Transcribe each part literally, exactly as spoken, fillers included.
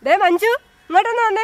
ദേ മഞ്ജു, ഇങ്ങോട്ടൊന്ന് വന്നേ.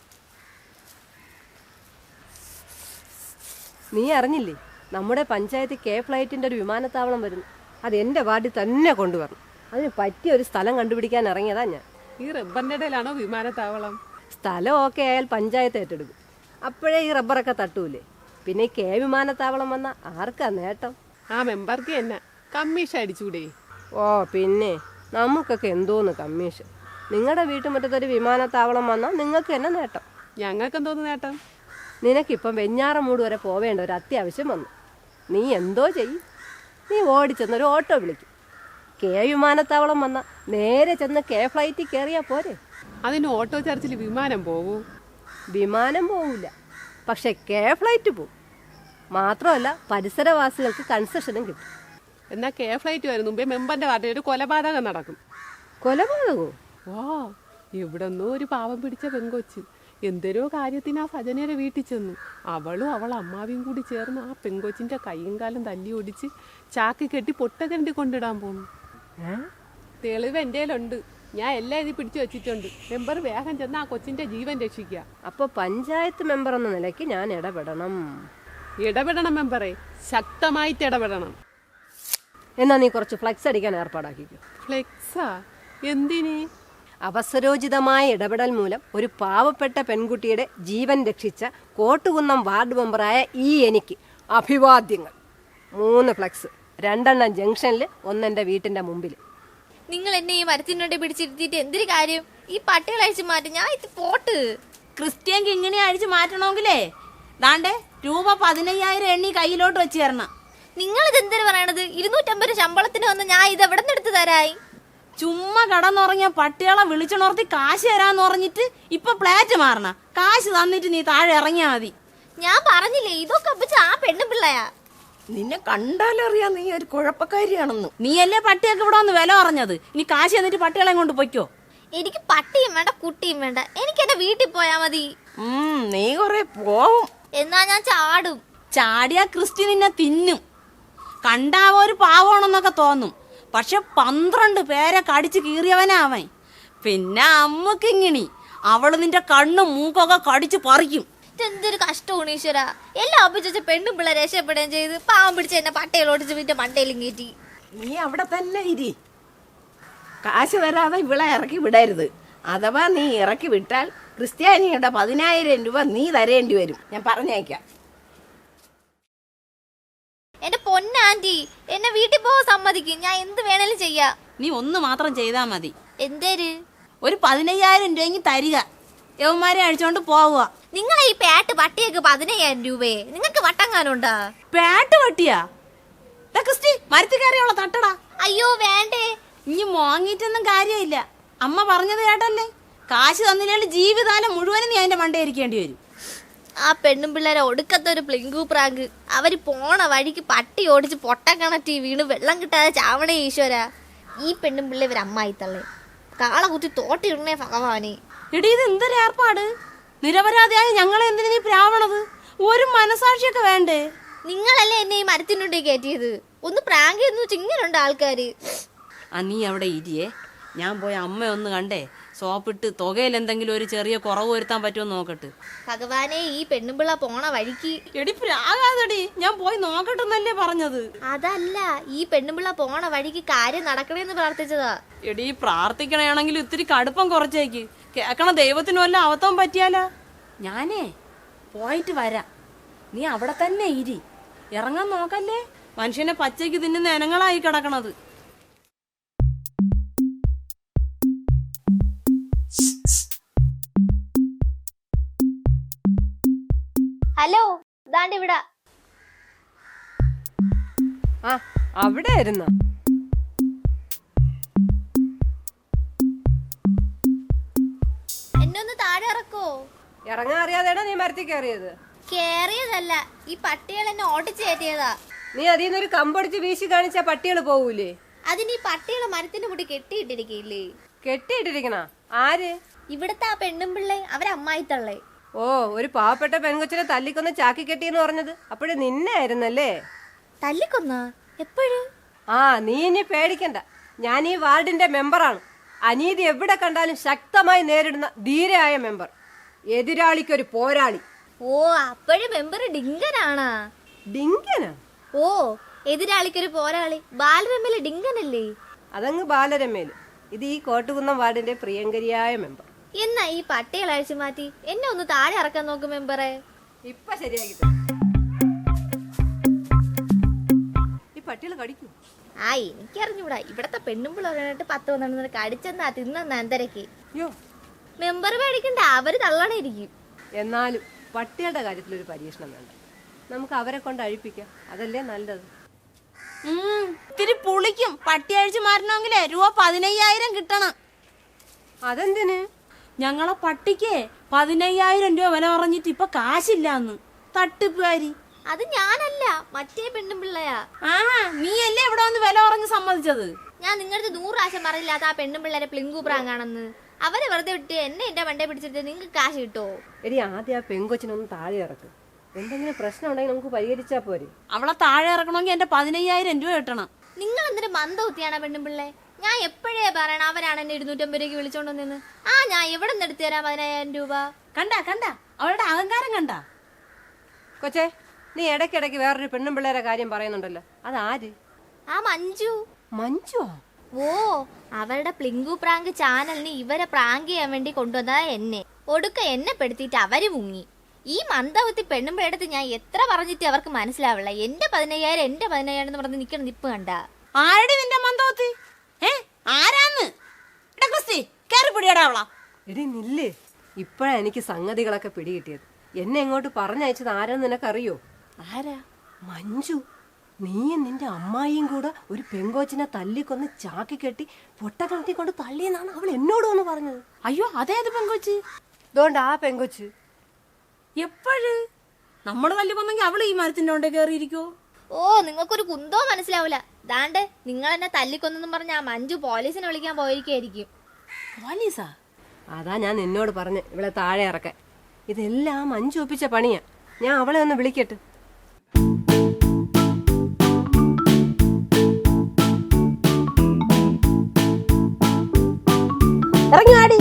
നീ അറിഞ്ഞില്ലേ, നമ്മുടെ പഞ്ചായത്ത് കെ ഫ്ലൈറ്റിന്റെ ഒരു വിമാനത്താവളം വരുന്നു. അത് എന്റെ വാർഡിൽ തന്നെ കൊണ്ടുവരണം. അതിന് പറ്റിയ ഒരു സ്ഥലം കണ്ടുപിടിക്കാൻ ഇറങ്ങിയതാ ഞാൻ. ഈ റബ്ബറിന്റെ ഇടയിലാണോ വിമാനത്താവളം? സ്ഥലം ഓക്കെ ആയാൽ പഞ്ചായത്ത് ഏറ്റെടുക്കും. അപ്പോഴേ ഈ റബ്ബറൊക്കെ തട്ടൂലേ. പിന്നെ ഈ കെ വിമാനത്താവളം വന്ന ആർക്കാ നേട്ടം? ആ മെമ്പർക്ക് തന്നെ കമ്മീഷൻ അടിച്ചൂടെ? ഓ പിന്നെ നമുക്കൊക്കെ എന്തോന്ന് കമ്മീഷൻ. നിങ്ങളുടെ വീട്ടുമുറ്റത്തൊരു വിമാനത്താവളം വന്നാൽ നിങ്ങൾക്ക് തന്നെ നേട്ടം. ഞങ്ങൾക്ക് എന്തോന്ന് നേട്ടം? നിനക്കിപ്പം വെഞ്ഞാറമൂട് വരെ പോവേണ്ട ഒരു അത്യാവശ്യം വന്നു. നീ എന്തോ ചെയ്യും? നീ ഓടിച്ചെന്നൊരു ഓട്ടോ വിളിക്കും. കെ വിമാനത്താവളം വന്നാൽ നേരെ ചെന്ന് കെ ഫ്ലൈറ്റിൽ കയറിയാൽ പോരെ. അതിന് ഓട്ടോ ചർച്ചിൽ വിമാനം പോവൂ? വിമാനം പോവില്ല, പക്ഷെ കെ ഫ്ലൈറ്റ് പോവും. മാത്രമല്ല പരിസരവാസികൾക്ക് കൺസെഷനും കിട്ടും. എന്നാൽ കെ ഫ്ലൈറ്റ് വരും മുമ്പേ മെമ്പറിന്റെ വാർഡിൽ ഒരു കൊലപാതകം നടക്കും. കൊലപാതകോ? ഓ, എവിടെന്നോ ഒരു പാവം പിടിച്ച പെങ്കൊച്ച് എന്തരോ കാര്യത്തിന് ആ സജനയുടെ വീട്ടിൽ ചെന്നു. അവളും അവൾ അമ്മാവിയും കൂടി ചേർന്ന് ആ പെങ്കൊച്ചിന്റെ കൈയും കാലും തല്ലി ഒടിച്ച് ചാക്കി കെട്ടി പൊട്ടക്കണ്ടി കൊണ്ടിടാൻ പോന്നു. തെളിവ് എൻ്റെ കയ്യിലുണ്ട്. ഞാൻ എല്ലാം ഇത് പിടിച്ചു വെച്ചിട്ടുണ്ട്. മെമ്പർ വേഗം ചെന്ന് ആ കൊച്ചിന്റെ ജീവൻ രക്ഷിക്കുക. അപ്പൊ പഞ്ചായത്ത് മെമ്പർ എന്ന നിലയ്ക്ക് ഞാൻ ഇടപെടണം. ഇടപെടണം മെമ്പറെ, ശക്തമായിട്ട് ഇടപെടണം. എന്നാ നീ കുറച്ച് ഫ്ലെക്സ് അടിക്കാൻ ഏർപ്പാടാക്കിക്കോ. ഫ്ലെക്സാ? എന്തിന്? അവസരോചിതമായ ഇടപെടൽ മൂലം ഒരു പാവപ്പെട്ട പെൺകുട്ടിയുടെ ജീവൻ രക്ഷിച്ച കോട്ടുകുന്നം വാർഡ് മെമ്പറായ ഈ എനിക്ക് അഭിവാദ്യങ്ങൾ. മൂന്ന് ഫ്ലെക്സ്, രണ്ടെണ്ണം ജംഗ്ഷനിൽ, ഒന്നെന്റെ വീട്ടിന്റെ മുമ്പിൽ. നിങ്ങൾ എന്നെ ഈ മരത്തിനോട്ട് പിടിച്ചിരുത്തിയിട്ട് എന്തൊരു കാര്യം? ഈ പട്ടികൾ അഴിച്ചു മാറ്റി ഞാൻ ഇത് പോട്ട്. ക്രിസ്ത്യൻക്ക് ഇങ്ങനെ അഴിച്ചു മാറ്റണമെങ്കിലേ ദാണ്ടേ രൂപ പതിനയ്യായിരം എണ്ണി കയ്യിലോട്ട് വെച്ച് തരണം. നിങ്ങൾ ഇത് എന്തിനു പറയണത്? ഇരുന്നൂറ്റമ്പത് ശമ്പളത്തിന് വന്ന് ഞാൻ ഇത് എവിടെ നിന്ന് എടുത്ത് തരായി? ചുമ്മാ കടന്നുറങ്ങിയ പട്ടികളെ വിളിച്ചുണർത്തി കാശ് തരാന്ന് പറഞ്ഞിട്ട് ഇപ്പൊ പ്ലാറ്റ് മാറണ. കാശ് തന്നിട്ട് നീ താഴെ ഇറങ്ങിയാ മതി. ഞാൻ പറഞ്ഞില്ലേ ഇതൊക്കെ അപ്പിച്ച് ആ പെണ്ണും പിള്ളയാ. നിന്നെ കണ്ടാലറിയാം നീ ഒരു കുഴപ്പക്കാരിയാണെന്ന്. നീയല്ലേ പട്ടിയൊക്കെ ഇവിടെ വന്ന് വില പറഞ്ഞത്. ഇനി കാശ് തന്നിട്ട് പട്ടികളെ കൊണ്ട് പൊയ്ക്കോ. എനിക്ക് പട്ടിയും വേണ്ട കുട്ടിയും വേണ്ട, എനിക്ക് എന്റെ വീട്ടിൽ പോയാ മതി. ഉം നീ കൊറേ പോവും. എന്നാ ഞാൻ ചാടും. ചാടിയ ക്രിസ്റ്റി നിന്നെ തിന്നും. കണ്ടാവോ ഒരു പാവമാണെന്നൊക്കെ തോന്നും, പക്ഷെ പന്ത്രണ്ട് പേരെ കടിച്ച് കീറിയവനാ അവൻ. പിന്നെ അമ്മക്കിങ്ങിണി അവള് നിന്റെ കണ്ണും മൂക്കൊക്കെ കടിച്ച് പറിക്കും. എന്തൊരു കഷ്ടമാണ് ഈശ്വര. എല്ലാം അപ്പിച്ച പെണ്ണും പിള്ളേ രക്ഷപ്പെടുകയും ചെയ്ത് പാവം പിടിച്ച എന്നെ പട്ടയിൽ ഓടിച്ച് വീട്ടിൽ മണ്ടയിലും കയറ്റി. നീ അവിടെ തന്നെ ഇരി. കാശ് വരാതെ ഇവിടെ ഇറക്കി വിടരുത്. അഥവാ നീ ഇറക്കി വിട്ടാൽ ക്രിസ്ത്യാനിയുടെ പതിനായിരം രൂപ നീ തരേണ്ടി വരും. ഞാൻ പറഞ്ഞേക്കാം. എന്റെ പൊന്നാന്റി, എന്നെ വീട്ടിൽ പോകാൻ സമ്മതിക്കും. ഞാൻ എന്ത് വേണേലും ചെയ്യാ. നീ ഒന്ന് മാത്രം ചെയ്താ മതി. എന്തേര്? ഒരു പതിനയ്യായിരം രൂപയെങ്കിൽ തരിക, യവന്മാരെ അഴിച്ചോണ്ട് പോവുക. നിങ്ങളെ ഈ പാട്ട് പട്ടിയൊക്കെ പതിനയ്യായിരം രൂപയെ നിങ്ങൾക്ക് വട്ടങ്ങാനുണ്ടാ? പാട്ട് പട്ടിയാ? ക്രിസ്റ്റി മരത്തിൽ കയറിയുള്ള തട്ടടാ. അയ്യോ വേണ്ടേ. ഇനി മോങ്ങിട്ടൊന്നും കാര്യമില്ല. അമ്മ പറഞ്ഞത് കേട്ടല്ലേ, കാശ് തന്നില്ലെങ്കിൽ ജീവിതകാലം മുഴുവനും നീ അതിന്റെ മണ്ടേ ഇരിക്കേണ്ടി വരും. ആ പെണ്ണും പിള്ളേരെ ഒടുക്കത്തെ ഒരു പ്ലിങ്കു പ്രാങ്ക്. അവര് പോണ വഴിക്ക് പട്ടി ഓടിച്ച് പൊട്ടക്കണറ്റി വീണ് വെള്ളം കിട്ടാതെ ചാവണേ ഈശ്വര. ഈ പെണ്ണും പിള്ളേ ഇവർ അമ്മായി തള്ളേ കാള കുത്തി തോട്ടിടണേ ഭഗവാനെ. എടീ ഇത് എന്തൊരു ഏർപ്പാട്! നിരപരാധിയായ ഞങ്ങളെ എന്തിനു നീ പ്രാവണത്? ഒരു മനസാക്ഷിയൊക്കെ വേണ്ടേ? നിങ്ങളല്ലേ എന്നെ ഈ മരത്തിനുണ്ടേ കയറ്റിയത്. ഒന്ന് പ്രാങ്ക് എന്ന് വെച്ച് ഇങ്ങനുണ്ട് ആൾക്കാര്. ആ നീ അവിടെ ഇരിയേ, ഞാൻ പോയ അമ്മ ഒന്ന് കണ്ടേ സോപ്പിട്ട് തുകയിൽ എന്തെങ്കിലും ഒരു ചെറിയ കുറവ് വരുത്താൻ പറ്റുമോ നോക്കട്ടെ. ഭഗവാനെ, ഈ പെണ്ണുമ്പിള്ള പോണ വഴിക്ക്. എടി പ്രാകാതെടി, ഞാൻ പോയി നോക്കട്ടെന്നല്ലേ പറഞ്ഞത്. അതല്ല, ഈ പെണ്ണുമ്പിള്ള പോണ വഴിക്ക് കാര്യം നടക്കണേന്ന് പ്രാർത്ഥിച്ചതാ. എടി പ്രാർത്ഥിക്കണയാണെങ്കിൽ ഇത്തിരി കടുപ്പം കുറച്ചേക്ക്. കേക്കണ ദൈവത്തിന് വല്ല അവത്തം പറ്റിയാലാ. ഞാനേ പോയിട്ട് വരാം, നീ അവിടെ തന്നെ ഇരി. ഇറങ്ങാൻ നോക്കല്ലേ, മനുഷ്യനെ പച്ചയ്ക്ക് തിന്നുന്ന ഇനങ്ങളായി കിടക്കണത്. ഹലോ, ദാണ്ട് ഇവിടെ. ആ അവിടെ ആയിരുന്ന. എന്നെ ഒന്ന് താഴെ ഇറക്കോ? ഇറങ്ങാൻ അറിയാതെടാ നീ മരത്തിൽ കയറിയത്. കേറിയതല്ല, ഈ പട്ടികൾ എന്നെ ഓടിച്ചു കയറ്റിയതാ. നീ അതിൽ നിന്നൊരു കമ്പടിച്ച് വീശി കാണിച്ചാ പട്ടികൾ പോവൂലേ? അതിന് ഈ പട്ടികളെ മരത്തിന്റെ കൂടി കെട്ടിയിട്ടിരിക്കില്ലേ? കെട്ടിയിട്ടിരിക്കണ ആര്? ഇവിടുത്തെ ആ പെണ്ണും പിള്ളേ, അവരമ്മായി തള്ളേ. ഓ, ഒരു പാവപ്പെട്ട പെൺകൊച്ചിനെ തല്ലിക്കൊന്ന് ചാക്കി കെട്ടിയെന്ന് പറഞ്ഞത് അപ്പോഴേ നിന്നെ ആയിരുന്നല്ലേ? തല്ലിക്കൊന്ന എപ്പോഴും? ആ നീ ഇനി പേടിക്കണ്ട, ഞാൻ ഈ വാർഡിന്റെ മെമ്പറാണ്. അനീതി എവിടെ കണ്ടാലും ശക്തമായി നേരിടുന്ന ധീരയായ മെമ്പർ, എതിരാളിക്കൊരു പോരാളി. ഓ അപ്പോഴും മെമ്പർ ഡിങ്കനാണാ? ഡിങ്കനാ? ഓ എതിരാളിക്കൊരു പോരാളി ബാലരമയിലെ ഡിങ്കനല്ലേ? അതങ്ങ് ബാലരമേല്. ഇത് ഈ കോട്ടുകുന്നം വാർഡിന്റെ പ്രിയങ്കരിയായ മെമ്പർ. എന്നാ ഈ പട്ടികൾ അഴിച്ചു മാറ്റി എന്നെ ഒന്ന് താഴെ ഇറക്കാൻ നോക്കും മെമ്പറെ. ഇപ്പൊ ശരിയാക്കി തരാം. ഈ പട്ടികൾ കടിക്കൂ? ആ എനിക്കറിഞ്ഞൂടാ. ഇവിടത്തെ പെണ്ണുമ്പിള്ളേരായിട്ട് പത്ത് പന്ത്രണ്ട് കടിച്ചെന്നാ തിന്നെന്നാ എന്തരക്ക്. യോ, മെമ്പർ പേടിക്കണ്ട, അവര് തള്ളണയിരിക്കും. എന്നാലും പട്ടികളുടെ കാര്യത്തിൽ ഒരു പരീക്ഷണം വേണ്ട. നമുക്ക് അവരെ കൊണ്ട് അഴിപ്പിക്കാം, അതല്ലേ നല്ലത്. ഉം, ഇത്തിരി പുളിക്കും. പട്ടി അഴിച്ചു മാറണമെങ്കിലേ രൂപ പതിനയ്യായിരം കിട്ടണം. അതെന്തിന്? ഞങ്ങളെ പട്ടിക്ക് പതിനയ്യായിരം രൂപ വില പറഞ്ഞിട്ട് ഇപ്പൊ കാശില്ലാന്ന്. തട്ടിപ്പുകാരി. അത് ഞാനല്ല, മറ്റേ പെണ്ണുമ്പിള്ളയാ. ആ നീയല്ലേ ഇവിടെ വന്ന് വില പറഞ്ഞ് സമ്മതിച്ചത്? ഞാൻ നിങ്ങളുടെ നൂറ് പ്രാവശ്യം പറയില്ലാത്ത ആ പെണ്ണുമ്പിള്ളേരെ പ്ലിങ്കു പ്രാങ്ങാണെന്ന്. അവരെ വെറുതെ വിട്ട് എന്നെ എന്റെ വണ്ടേ പിടിച്ചിട്ട് നിങ്ങൾക്ക് കാശ് കിട്ടുമോ? എടി, ആദ്യം ആ പെങ്കൊച്ചിനൊന്ന് താഴെ ഇറക്ക്. എന്തെങ്കിലും പ്രശ്നം ഉണ്ടെങ്കിൽ നമുക്ക് പരിഹരിച്ചാ പോരെ. അവളെ താഴെ ഇറക്കണമെങ്കിൽ എന്റെ പതിനയ്യായിരം രൂപ കിട്ടണം. നിങ്ങൾ എന്തൊരു മന്ദബുദ്ധിയാണ് പെണ്ണുമ്പിള്ളേ. ഞാൻ എപ്പോഴേ പറയണം അവരാണ് എന്നെ ഇരുന്നൂറ്റമ്പത് രൂപയ്ക്ക് വിളിച്ചോണ്ട് നിന്ന്. ആ ഞാൻ എവിടെ നിന്ന് എടുത്തു തരാം പതിനായിരം രൂപ? കണ്ട കണ്ട അവളുടെ അഹങ്കാരം കണ്ട. കൊച്ചേ, നീ ഇടയ്ക്കിടയ്ക്ക് വേറൊരു പെണ്ണുമ്പിള്ളേരെ കാര്യം പറയുന്നുണ്ടല്ലോ, അതാര്? ആ മഞ്ജു. മഞ്ജുവാ? ഓ അവരുടെ പ്ലിങ്കു പ്രാങ്ക് ചാനലിന് ഇവരെ പ്രാങ്ക് ചെയ്യാൻ വേണ്ടി കൊണ്ടുവന്നതാ എന്നെ. ഒടുക്ക എന്നെ പെടുത്തിയിട്ട് അവര് മുങ്ങി. ഈ മന്ദബുദ്ധി പെണ്ണുമ്പഴടുത്ത് ഞാൻ എത്ര പറഞ്ഞിട്ട് അവർക്ക് മനസ്സിലാവില്ല. എന്റെ പതിനയ്യായിരം എന്റെ പതിനയ്യായിരം എന്ന് പറഞ്ഞ് നിൽക്കണം നിപ്പ് കണ്ട. ആരുടെ നിന്റെ മന്ദബുദ്ധി? ഏ ആരാന്ന്? ക്രിസ്റ്റി കയറി പിടിയടാ അവളാ. എടി നില്ലേ, ഇപ്പോഴാ എനിക്ക് സംഗതികളൊക്കെ പിടികിട്ടിയത്. എന്നെ ഇങ്ങോട്ട് പറഞ്ഞയച്ചത് ആരാന്ന് നിനക്കറിയോ? ആരാ? മഞ്ജു. നീയും നിന്റെ അമ്മായിയും കൂടെ ഒരു പെങ്കോച്ചിനെ തല്ലിക്കൊന്ന് ചാക്കി കെട്ടി പൊട്ടക്കിണറ്റി കൊണ്ട് തള്ളിയെന്നാണ് അവൾ എന്നോട് വന്ന് പറഞ്ഞത്. അയ്യോ അതേത് പെങ്കൊച്ച്? ഇതുകൊണ്ട് ആ പെങ്കൊച്ച് എപ്പോഴ് നമ്മള് തല്ലി വന്നെങ്കിൽ അവള് ഈ മരത്തിന്റെ കൊണ്ടേ കയറിയിരിക്കോ? ഓ നിങ്ങൾക്കൊരു കുന്തോ മനസ്സിലാവൂല. ദാണ്ട് നിങ്ങൾ എന്നെ തല്ലിക്കൊന്നെന്നും പറഞ്ഞ ആ മഞ്ജു പോലീസിനെ വിളിക്കാൻ പോയിരിക്കും. പോലീസാ? അതാ ഞാൻ നിന്നോട് പറഞ്ഞ് ഇവളെ താഴെ ഇറക്കാൻ. ഇതെല്ലാം മഞ്ജു ഒപ്പിച്ച പണിയാ. ഞാൻ അവളെ ഒന്ന് വിളിക്കട്ടെ. ഇറങ്ങി ആടി.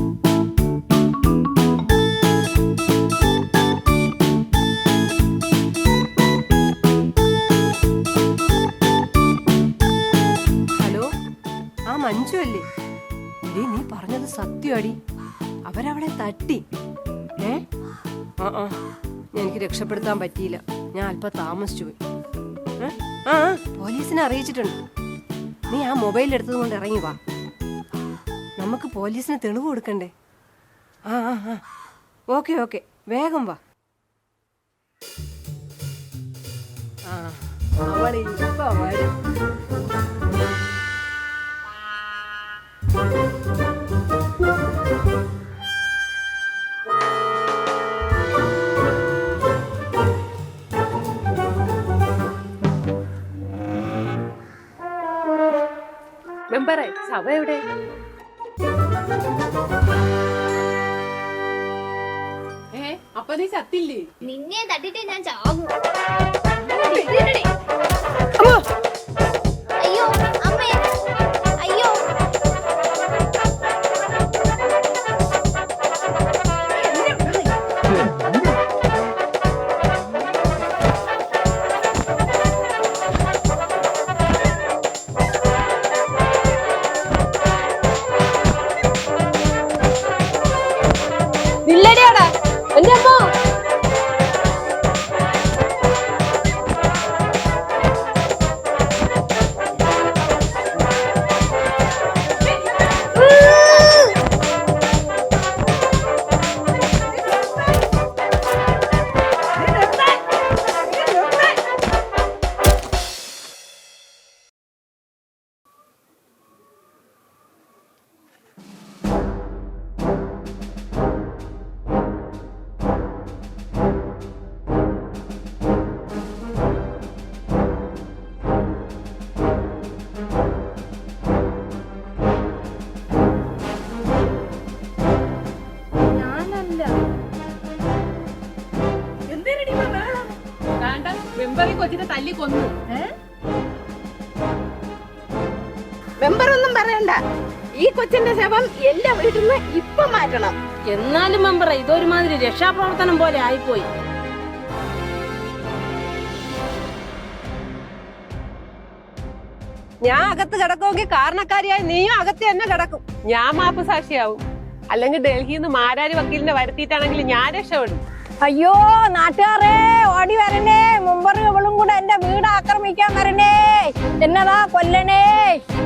ഹലോ, ആ മഞ്ജു അല്ലേ? എടി, നീ പറഞ്ഞത് സത്യമാടി. അവരവളെ തട്ടി. ഏ ആ ആ എനിക്ക് രക്ഷപ്പെടുത്താൻ പറ്റിയില്ല. ഞാൻ അല്പം താമസിച്ചു പോയി. ഏ? ആ ആ, പോലീസിനെ അറിയിച്ചിട്ടുണ്ട്. നീ ആ മൊബൈൽ എടുത്തത് കൊണ്ട് ഇറങ്ങി വാ. നമുക്ക് പോലീസിന് തെളിവ് കൊടുക്കണ്ടേ? ആ ആ ആ ഓക്കെ ഓക്കെ, വേഗം വാ. ആ അവളിപ്പോ വരും. മെമ്പറെ സഭ എവിടെ? ഏ അപ്പൊ നീ ചത്തില്ലേ? നിന്നെ തട്ടിട്ടേ ഞാൻ ചാകും. അയ്യോ അമ്മേ, അയ്യോ. ഇല്ലടിയാടാ എന്റെ അമ്മ. മെമ്പർ കൊച്ചിനെ തല്ലി കൊന്നു. മെമ്പറൊന്നും പറയണ്ട. ഈ കൊച്ചിന്റെ ശവം എന്റെ വീട്ടിൽ നിന്ന് ഇപ്പൊ മാറ്റണം. എന്നാലും മെമ്പറെ ഇതൊരുമാതിരി രക്ഷാപ്രവർത്തനം പോലെ ആയിപ്പോയി. ഞാൻ അകത്ത് കിടക്കുമെങ്കിൽ കാരണക്കാരിയായി നീയും അകത്ത് തന്നെ കിടക്കും. ഞാൻ മാപ്പ് സാക്ഷിയാവും. അല്ലെങ്കിൽ ഡൽഹിയിൽ നിന്ന് മാരാരി വക്കീലിനെ വരുത്തിയിട്ടാണെങ്കിൽ ഞാൻ രക്ഷപ്പെടും. അയ്യോ നാട്ടുകാരെ ഓടി വരണേ, മുമ്പറും ഇവളും കൂടെ എന്റെ വീട് ആക്രമിക്കാൻ വരണേ, എന്നതാ കൊല്ലണേ.